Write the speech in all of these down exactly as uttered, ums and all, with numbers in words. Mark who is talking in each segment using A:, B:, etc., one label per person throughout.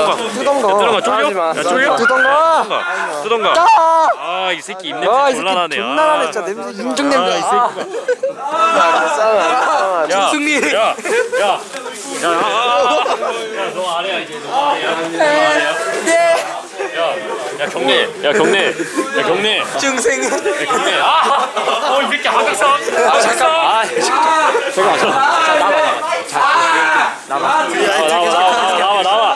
A: 뜨던가.
B: 뜨던가.
A: 야, 뜨던가 쫄려?
B: 하지 마.
A: 야 쫄려?
B: 뜨던가.
A: 뜨던가. 뜨던가.
B: 아!
A: 아, 이 새끼
B: 아,
A: 입냄새
B: 이 새끼
A: 곤란하네.
B: 존나 나네 진짜. 냄새 인중 냄새.
A: 아, 이
B: 아,
A: 야,
B: 승리.
A: 야, 야, 야, 야, 아, 아, 야, 너 아래야 이제. 너 아래야. 너 아래야.
B: 네.
A: 야, 야 경례, 야 경례, 야 경례.
B: 중생.
A: 야 경례. 아, 어, 이 새끼 하백선.
B: 아 잠깐. 아 잠깐. 잠깐. 나와.
A: 나와, 나와, 나와, 나와.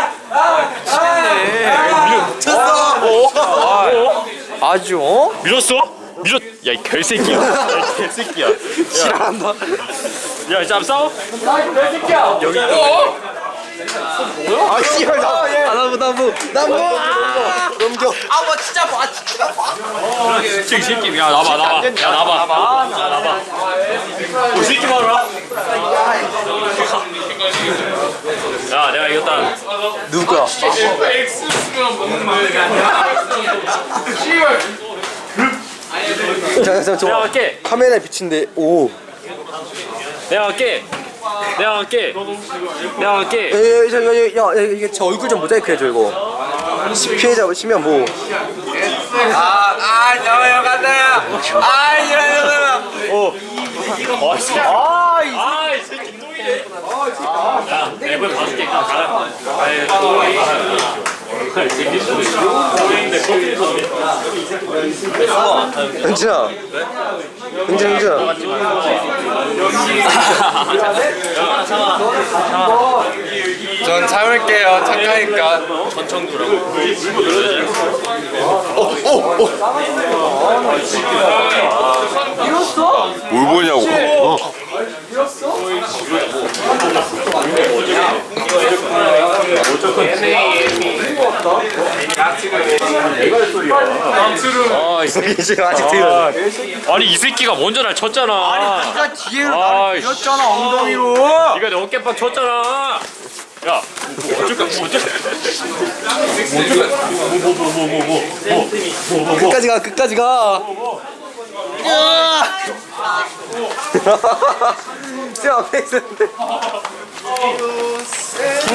B: 쳤어. 아주 어?
A: 밀었어? 밀었. 야, 이 개새끼야. 야, 이 개새끼야.
B: 싫어한다.
A: 야, 이제 한번 싸워? 여기.
B: 아 씨발 나. 아 나무 나무 나무. 넘겨. 아뭐 진짜 봐 진짜 봐.
A: 진짜 이 새끼. 야, 나봐, 나봐. 야, 나봐. 야, 나봐. 이 새끼 봐라. 야, 내가 이겼다.
B: 누구야? 자, 자,
A: 내가
B: 저
A: 할게.
B: 카메라에 비친데 오.
A: 내가 할게. 내가 할게. 내가 할게.
B: 에, 저, 야, 야, 야, 이게 제 얼굴 좀 모자이크 해줘 이거. 피해자 치면 뭐.
C: 아, 아, 너 여간다. 아, 이러면.
A: 어. 아, 이 새끼.
B: 아, 이
A: 아, 이 새끼 똥이네. 야, 내가 이번에 봐줄게. 가라.
B: 현진아. 현진, 현진아.
C: 전 참을게요. 착하니까.
A: 전청두라고.
D: 뭘 보냐고. 어.
A: 아, 이 새끼
B: 지금 아직 들려.
A: 아니 이 새끼가 먼저 날 쳤잖아.
B: 네가 뒤에로
A: 아이,
B: 나를 밀었잖아 엉덩이로.
A: 네가 내 어깨빵 쳤잖아. 야, 뭐 어쩔까? 뭐 어쩔까? 뭐뭐뭐뭐뭐뭐뭐뭐뭐
B: 끝까지 가, 끝까지 가. 쌤 앞에 있었는데.